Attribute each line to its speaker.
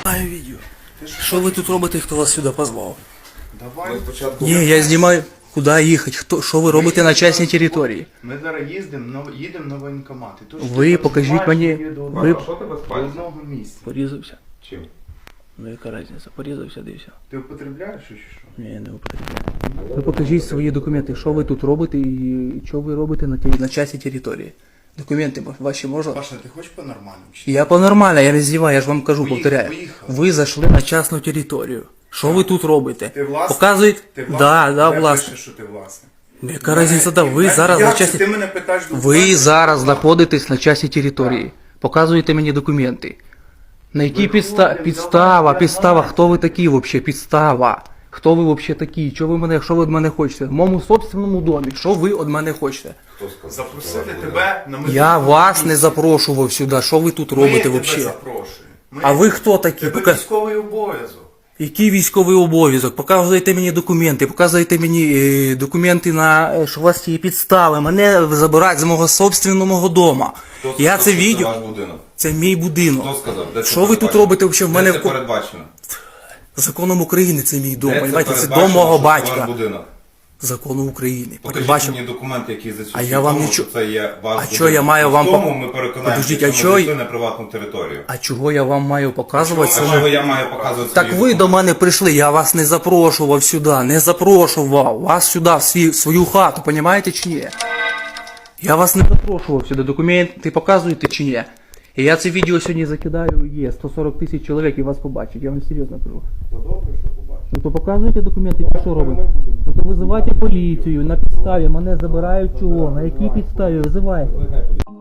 Speaker 1: знімаю відео. Що ви тут робите, хто вас сюди позвав?
Speaker 2: Давай спочатку.
Speaker 1: Ні, я знімаю. Куди їхати? Що ви робите на частній території?
Speaker 2: Ми зараз їдемо на воєнкомат. І то, що
Speaker 1: Ви
Speaker 2: ти
Speaker 1: покажіть
Speaker 2: знімаєш,
Speaker 1: мені.
Speaker 2: є до
Speaker 1: Ви
Speaker 3: Що тебе
Speaker 2: до
Speaker 3: спать?
Speaker 2: одного місця.
Speaker 1: порізався.
Speaker 3: Чим?
Speaker 1: Ну яка різниця? Порізався, дився.
Speaker 2: Ти употребляєш чи що?
Speaker 1: Ні, не употребляю. Ви покажіть свої документи, що ви тут робите і що ви робите на частній території. Документи ваші можна?
Speaker 2: Паша, ти хочеш по-нормальному? Чи?
Speaker 1: Я по-нормально, я не здіваю, я ж вам кажу, повторяю.
Speaker 2: Поїхали.
Speaker 1: Ви зайшли на частну територію. Що ви тут робите?
Speaker 2: Ти власник?
Speaker 1: Показують?
Speaker 2: Ти власник?
Speaker 1: Да,
Speaker 2: Де
Speaker 1: власник.
Speaker 2: пише, що ти власник?
Speaker 1: Яка різниця, да, ви зараз на
Speaker 2: Як це
Speaker 1: частній...
Speaker 2: ти мене питаєш
Speaker 1: Ви зараз знаходитесь на частній території. Показуєте мені документи. На якій підстава, хто ви такі взагалі, підстава. Хто ви взагалі такі, що ви від мене хочете? В моєму собственному домі, що ви від мене хочете?
Speaker 3: Хто сказав?
Speaker 2: Запросити тебе на
Speaker 1: Я вас не запрошував сюди, що ви тут робите
Speaker 2: Ми тебе
Speaker 1: взагалі?
Speaker 2: запрошуємо.
Speaker 1: А ви хто такі?
Speaker 2: Тебе військовий обов'язок.
Speaker 1: Який військовий обов'язок? Показуєте мені документи, показуєте мені документи на, що у вас є підстави. Мене забирають з мого собственного дому. Я це
Speaker 3: Це
Speaker 1: відео,
Speaker 3: ваш будинок.
Speaker 1: це мій будинок.
Speaker 3: Хто сказав? Де це
Speaker 1: Що ви тут
Speaker 3: передбачено?
Speaker 1: робите взагалі? В
Speaker 3: Де
Speaker 1: мене
Speaker 3: це передбачено?
Speaker 1: законом України це мій дом,
Speaker 3: Де
Speaker 1: понимаєте? Це
Speaker 3: передбачено,
Speaker 1: дом мого
Speaker 3: що це
Speaker 1: батька.
Speaker 3: ваш будинок?
Speaker 1: Закону України.
Speaker 3: Покажіть
Speaker 1: Передбачено.
Speaker 3: мені документи, які засвідчують
Speaker 1: А я вам
Speaker 3: тому,
Speaker 1: нічого-
Speaker 3: що це є ваш
Speaker 1: А
Speaker 3: будинок.
Speaker 1: що я маю вам
Speaker 3: В тому
Speaker 1: пок-
Speaker 3: ми переконаємося,
Speaker 1: Подождіть,
Speaker 3: що
Speaker 1: а
Speaker 3: ми
Speaker 1: чого-
Speaker 3: зайшли на приватну територію.
Speaker 1: А чого я вам маю показувати
Speaker 3: А чого я маю показувати
Speaker 1: Так
Speaker 3: свої
Speaker 1: ви до
Speaker 3: документи?
Speaker 1: мене прийшли, я вас не запрошував сюди, не запрошував вас сюди, в свою хату, понімаєте чи ні? Я вас не запрошував сюди, документи показуєте чи ні? І я це відео сьогодні закидаю, є 140 тисяч чоловік і вас побачать, я вам серйозно кажу.
Speaker 2: То добре, що побачиш.
Speaker 1: Ну то показуйте документи, що робите? Ну то визивайте поліцію, на підставі, мене забирають чого, на якій підставі визивайте?